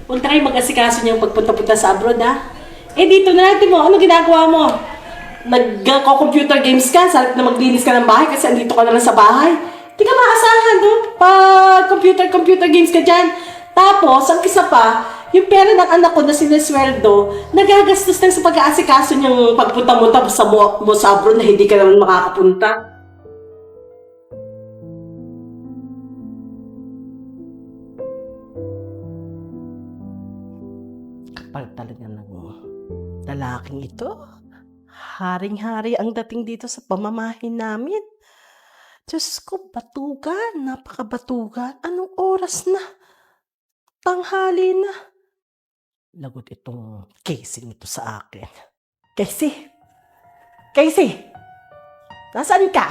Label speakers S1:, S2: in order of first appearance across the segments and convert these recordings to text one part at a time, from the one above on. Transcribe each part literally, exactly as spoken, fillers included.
S1: Huwag na kayo mag-asikaso niyang pagpunta-punta sa abroad, ha? Eh, dito na natin mo. Ano ginagawa mo? Nag-computer games ka, sa na maglinis ka ng bahay kasi andito ka na lang sa bahay. Di ka maasahan, no? Pag computer-computer games ka dyan. Tapos, ang isa pa, yung pera ng anak ko na sinesweldo, nagagastos lang sa pag-aasikaso niyang pagpunta mo tapos sa mo, mo sa abroad na hindi ka naman makakapunta. Kapal talaga ng lalaking ito. Haring-hari ang dating dito sa pamamahin namin. Diyos ko, batugan. Napakabatugan. Anong oras na? Tanghali na. Lagot itong casing ito sa akin. Casey! Casey! Nasaan ka?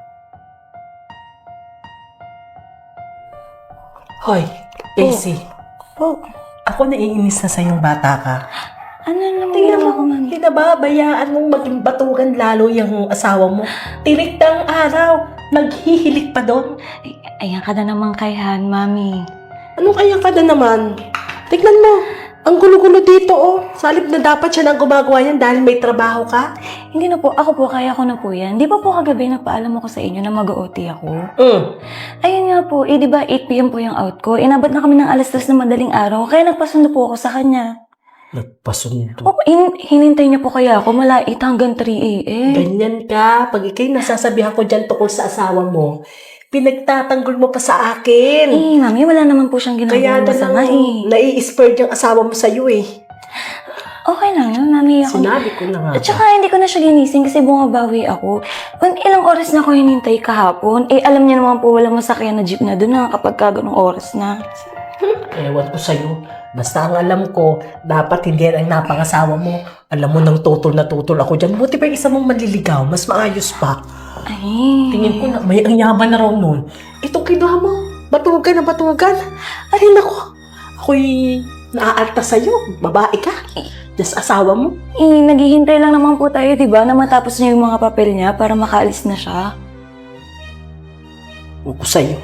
S1: Hoy, Casey.
S2: Po,
S1: Ako naiinis na sa yung bata ka.
S2: ano naman
S1: Tingnan
S2: ginawa ko,
S1: mo,
S2: mami?
S1: pinababayaan mong maging batugan lalo yung asawa mo. Tirik ng araw, naghihilik pa doon.
S2: Ay, ayan ka na naman kay Han, mami.
S1: Ano kaya ka na naman? Tignan mo, ang gulo-gulo dito oh. Salip na dapat siya nang gumagawa yan dahil may trabaho ka.
S2: Hindi na po, ako po, kaya ko na po yan. Di ba po kagabi nagpaalam ako sa inyo na mag-O T ako?
S1: Mm.
S2: Ayun nga po, eh di ba eight p m po yung out ko. Inabot na kami ng alas tres na madaling araw, kaya nagpasundo po ako sa kanya.
S1: Nagpasundo.
S2: O, hin- hinintay niyo po kaya ako mala eight hanggang three a m
S1: Ganyan ka. Pag ikay nasasabihan ko dyan tungkol sa asawa mo, pinagtatanggol mo pa sa akin.
S2: Eh, mami, wala naman po siyang
S1: Kaya
S2: ginagawa
S1: na
S2: masama
S1: lang
S2: eh.
S1: nai-spurred yung asawa mo sa'yo eh.
S2: Okay lang yun, mami. Ako,
S1: Sinabi ko na nga.
S2: At saka hindi ko na siya ginising kasi bumabawi ako. Kung ilang oras na ako hinintay kahapon, eh alam niya naman po walang masakyan na jeep na doon na kapag ka ganung oras na.
S1: Ewan ko sa'yo. Basta ang alam ko, dapat hindi yan ang napangasawa mo. Alam mo nang tutol na tutol ako dyan. Buti pa yung isa mong maliligaw. Mas maayos pa.
S2: Ay.
S1: Tingin ko na may ang yaman na raw nun. Ito kinuha mo. Batugan na batugan. Ay nako. Ako'y naaalta sa'yo. Babae ka. Just asawa mo.
S2: Eh, naghihintay lang naman po tayo, di ba, na matapos niya yung mga papel niya para makaalis na siya.
S1: Huwag ko sa'yo.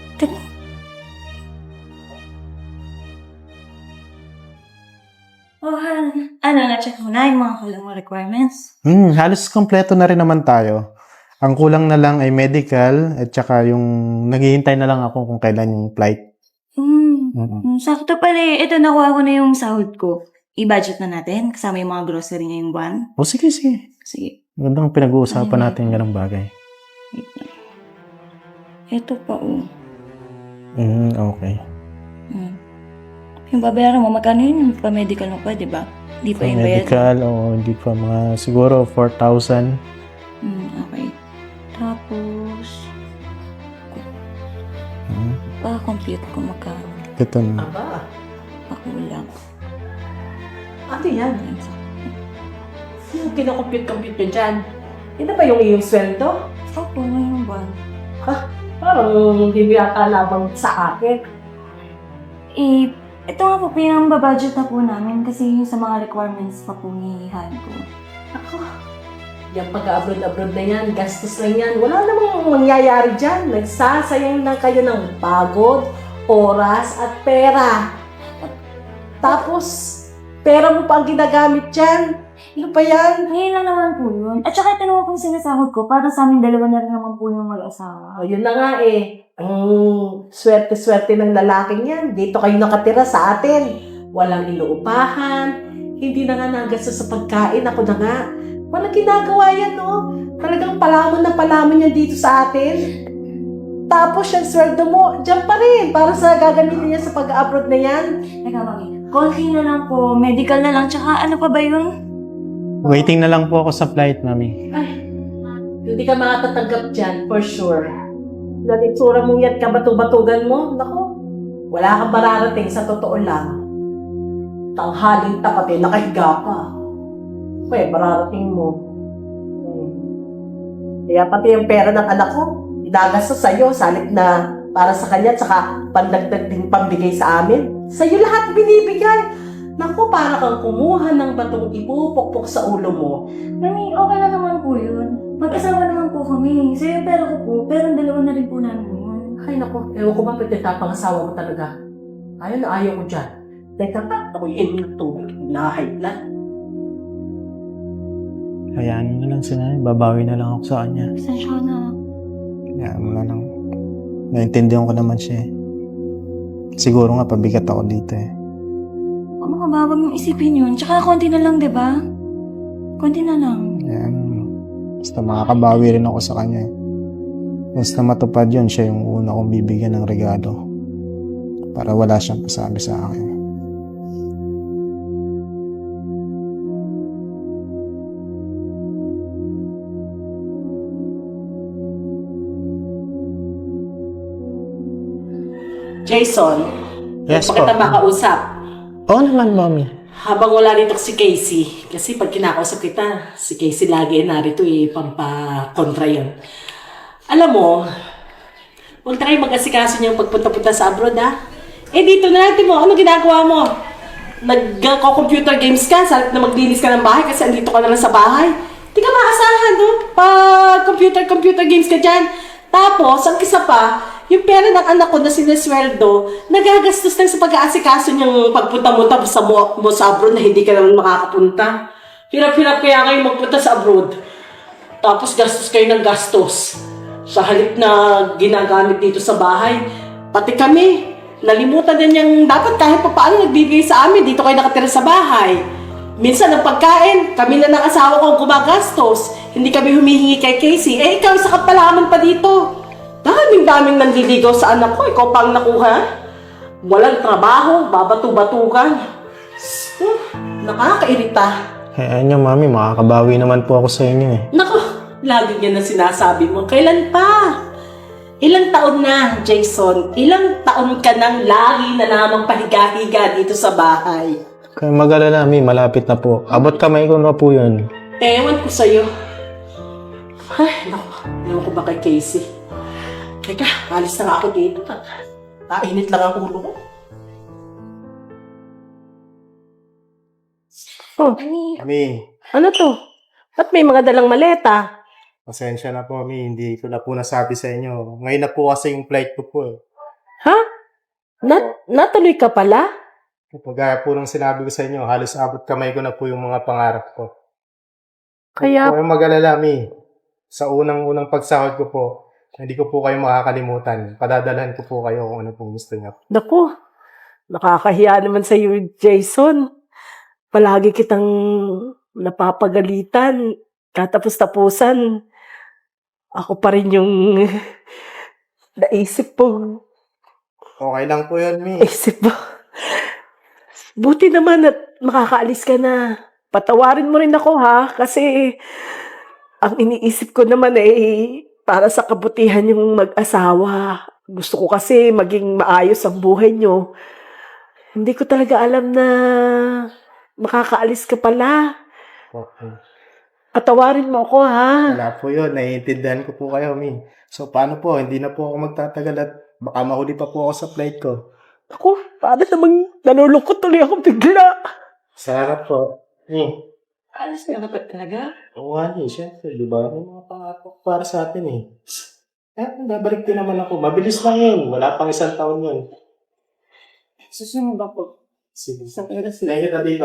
S2: Oh, Han. Ano, na-check mo na yung mga kulang mo requirements?
S3: Hmm, halos kompleto na rin naman tayo. Ang kulang na lang ay medical at saka yung naghihintay na lang ako kung kailan yung flight.
S2: Hmm.
S3: Mm-mm.
S2: Hmm, sakto pala eh. Ito, nakuha ko na yung sahod ko. I-budget na natin, kasama yung mga grocery ngayong buwan.
S3: O sige, sige.
S2: Sige.
S3: Magandang pinag-uusapan
S2: Ayun.
S3: natin yung ganong bagay.
S2: Wait lang. Ito pa, oh.
S3: Hmm, okay.
S2: Hmm. Yung babayaran mo, magkano yun? Yung pa-medical mo pa, di ba? Hindi pa
S3: So,
S2: yung bayad.
S3: medical o hindi pa mga siguro four thousand.
S2: Hmm, okay. Tapos,
S3: Hmm,
S2: pa-compute ko magkano.
S3: ito na.
S1: Aba.
S2: Pakulang.
S1: Ano yan? Sino kinakompute-compute nyo dyan? Yan na ba yung iyong sweldo?
S2: Opo, ngayong buwan.
S1: Parang hindi mo yata labang sa akin.
S2: Eh, ito nga po, pinang-budget na po namin kasi yung sa mga requirements pa po ni Han ko.
S1: Ako, yung pag-abroad-abroad na yan, gastos lang yan. Wala namang mangyayari dyan. Nagsasayang lang kayo ng pagod, oras, at pera. Tapos, pera mo pa ang ginagamit dyan. Ano pa yan?
S2: Ngayon lang naman po yun. At saka ito naman po yung sinasahod ko para sa amin dalawa na rin naman po yung mag-asawa.
S1: O, yun na nga eh. Ang swerte-swerte ng lalaking yan. Dito kayo nakatira sa atin. Walang inuupahan. Hindi na nga nagastos sa pagkain. Ako na nga. Walang ginagawa yan, no? Talagang palamon na palamon yan dito sa atin. Tapos yung sweldo mo, dyan pa rin. Para sa gagamitin niya sa pag-abroad na yan.
S2: Teka, mami. Konti na lang po. Medical na lang. Tsaka ano pa ba yun?
S3: Waiting na lang po ako sa flight, mami.
S1: Ay, hindi ka makatatanggap dyan, for sure. Dahil itsura mong yan, kabatu-batugan mo, naku, wala kang mararating sa totoo lang. Tanghaling tapat eh, nakahiga pa. Kaya mararating mo. Hmm. Kaya pati yung pera ng anak ko, inagastos sa'yo, salip na para sa kanya, tsaka pandagdag din pambigay sa amin. Sa'yo lahat binibigay. Naku, para kang kumuha ng batong ipupukpok sa ulo mo.
S2: Mami, okay na naman po yun. Mag-asawa naman po kami. Sa'yo pera ko po, pero ang dalawa na rin po namin yun.
S1: Ay naku, ewan ko ba pwede tapangasawa mo talaga. Ayaw na ayaw ko dyan. Teka ka, ako'y inom ng tubig. Nahay blood.
S3: Hayaan mo na lang si nanay. Babawi na lang ako sa kanya.
S2: Pasensya ka na.
S3: Hayaan mo na lang. Naintindihan ko naman siya eh. Siguro nga pabigat ako dito eh.
S2: Ano ka ba? Huwag mong isipin yun. Tsaka konti na lang, di ba? Konti na lang.
S3: Hayaan mo. Basta makakabawi rin ako sa kanya eh. Basta matupad yun, siya yung una kong bibigyan ng regalo. Para wala siyang pasabi sa akin.
S1: Jason,
S3: Yes
S1: bakit
S3: po.
S1: na makausap?
S3: Oo naman, mommy.
S1: Habang wala dito si Casey, kasi pag kinakausap kita, si Casey lagi narito eh, pampakontra yun. Alam mo, huwag tayo mag-asikaso niyang pagpunta-punta sa abroad ha. Eh dito na natin mo, ano ginagawa mo? Nag-computer games ka, sa na maglinis ka ng bahay kasi andito ka na lang sa bahay. Di ka maasahan no? Pag computer-computer games ka dyan. Tapos, ang isa pa, yung pera ng anak ko na sinesweldo, nagagastos lang sa pag-aasikaso niyang pagpunta mo tapos sa mo, mo sa abroad na hindi ka naman makakapunta. Hirap-hirap kaya kayo magpunta sa abroad. Tapos gastos kayo ng gastos. Sa halip na ginagamit dito sa bahay. Pati kami, nalimutan din yung dapat kahit pa paano nagbibigay sa amin. Dito kayo nakatira sa bahay. Minsan ang pagkain, kami na ng asawa ko ang gumagastos. Hindi kami humihingi kay Casey. Eh ikaw, isa ka palaman pa dito. Daming-daming nanliligaw sa anak ko. Ikaw pang nakuha. Walang trabaho, babato-batukan. Uh, nakakairita.
S3: Hayaan niyo, mami. Makakabawi naman po ako sa inyo eh.
S1: Naku, lagi yan na sinasabi mo. Kailan pa? Ilang taon na, Jason? Ilang taon ka nang lagi na namang pahiga-higa dito sa bahay?
S3: Kaya mag-alala, mami. Malapit na po. Abot kamay ko na po yun.
S1: Ewan ko sa'yo. Ay, naku. Ewan ko ba kay Casey? Teka, alis na nga ako dito. Nainit lang ang ulo ko. Oh,
S3: Mami,
S1: ano to? Ba't may mga dalang maleta?
S3: pasensya na po, mami. Hindi ko na po nasabi sa inyo. Ngayon na po kasi yung flight ko po eh.
S1: Ha? Nat natuloy ka pala?
S3: Kapag po nung sinabi ko sa inyo, halos abot kamay ko na po yung mga pangarap ko.
S1: Kaya,
S3: Huwag kayong mag-alala, mi. Sa unang-unang pagsahod ko po, hindi ko po kayo makakalimutan. Padadalhan ko po kayo kung ano pong gusto niyo.
S1: naku, nakakahiya naman sa iyo, Jason. Palagi kitang napapagalitan. Katapos-tapusan, ako pa rin yung naisip po.
S3: Okay lang po yun, mi.
S1: Isip mo. Buti naman at makakaalis ka na. Patawarin mo rin ako ha, kasi ang iniisip ko naman eh, para sa kabutihan yung mag-asawa. Gusto ko kasi maging maayos ang buhay nyo. Hindi ko talaga alam na makakaalis ka pala.
S3: Okay.
S1: Patawarin mo ako ha.
S3: Wala po yun. Naiintindihan ko po kayo, mi. So, paano po? Hindi na po ako magtatagal at baka mahuli pa po ako sa flight ko.
S1: Ako, para namang nalulungkot tuloy ako bigla.
S3: Sarap po. Mi.
S1: Alis ka na ba talaga?
S3: Oo nga, mi. Siyempre, di ba? May mga pangako para sa atin eh. Eh, babalik din naman ako. Mabilis lang yun. Wala pang isang taon yun.
S1: Susunod ako.
S3: Sige. Isang kaya sila. Kita dito.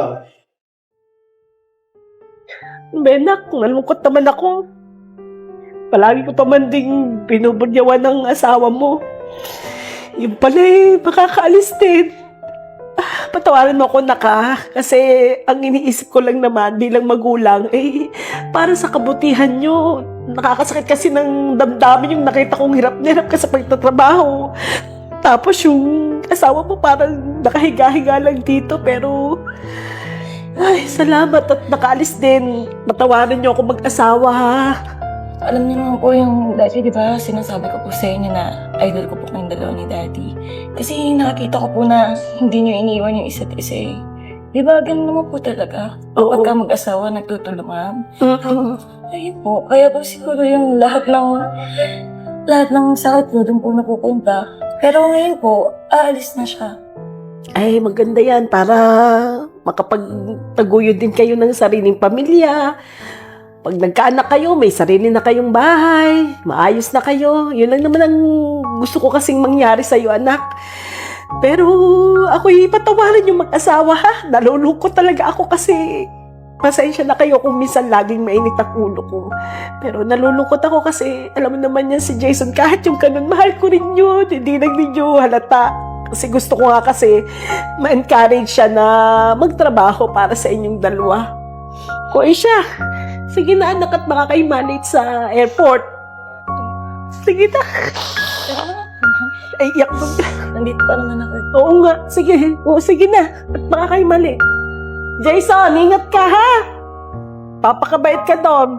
S1: Benak, nalungkot naman ako. Palagi ko pa man ding binubudyawan ng asawa mo. Yung pala eh, makakaalis din. Ah, patawarin mo ako, naka. Kasi ang iniisip ko lang naman bilang magulang, eh, para sa kabutihan nyo. Nakakasakit kasi ng damdamin yung nakita kong hirap na hirap ka sa pagtatrabaho. Tapos yung asawa mo parang nakahiga-higa lang dito, pero ay, salamat at nakaalis din. Patawarin niyo ako mag-asawa, ha?
S2: Alam niyo naman po yung dati, di ba, sinasabi ko po sa inyo na idol ko po kayong dalawa ni Daddy. Kasi nakakita ko po na hindi niyo iniwan yung isa't isa eh. Di ba, ganun naman po talaga.
S1: Oo.
S2: Pagka mag-asawa, nagtutulungan.
S1: Mm-mm.
S2: Ayun po, kaya po siguro yung lahat ng lahat ng sakit ko doon po napupunta. Pero ngayon po, aalis na siya.
S1: Ay, maganda yan para makapagtaguyod din kayo ng sariling pamilya. Pag nagkaanak kayo, may sarili na kayong bahay, maayos na kayo. Yun lang naman ang gusto ko kasing mangyari sa'yo, anak. Pero ako'y patawarin yung mag-asawa ha. Nalulungkot talaga ako kasi pasensya na kayo kung minsan laging mainit ang ulo ko. Pero nalulungkot ako kasi alam mo naman yan si Jason, kahit yung ganun, mahal ko rin yun. Hindi lang ninyo halata. Kasi gusto ko nga kasi ma-encourage siya na magtrabaho para sa inyong dalawa. Kuya siya, sige na anak at baka kayo malate sa airport. Sige na.
S2: Tara na.
S1: Ay, iyak mo.
S2: Nandito pa naman ako.
S1: Oo nga, sige. Oo, sige na. At baka kayo mali. Jason, ingat ka ha! Papakabait ka doon.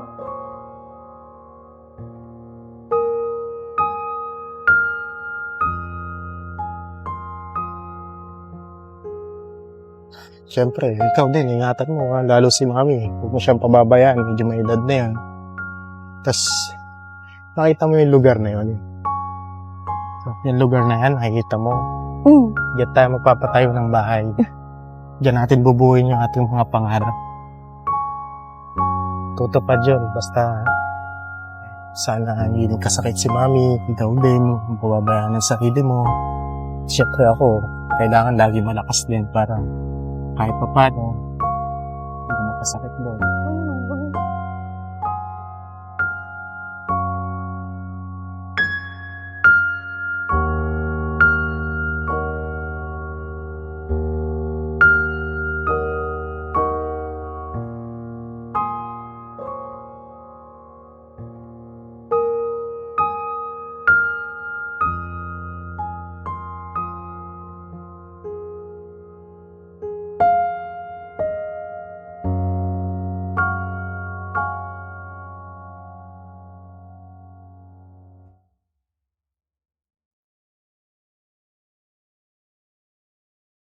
S3: Siyempre, ikaw din, ingatan mo, ha? Lalo si mami. Huwag mo siyang pababayaan, medyo may edad na yan. Tapos, nakita mo yung lugar na yun. Yung lugar na yan, nakikita mo.
S2: Hmm.
S3: Diyan tayo magpapatayo ng bahay. Diyan natin bubuhin yung ating mga pangarap. Tutupad yun, basta sana hindi kasakit si mami, ikaw din, pababayaan ng sarili mo. Siyempre ako, kailangan lagi malakas din para kahit pa paano,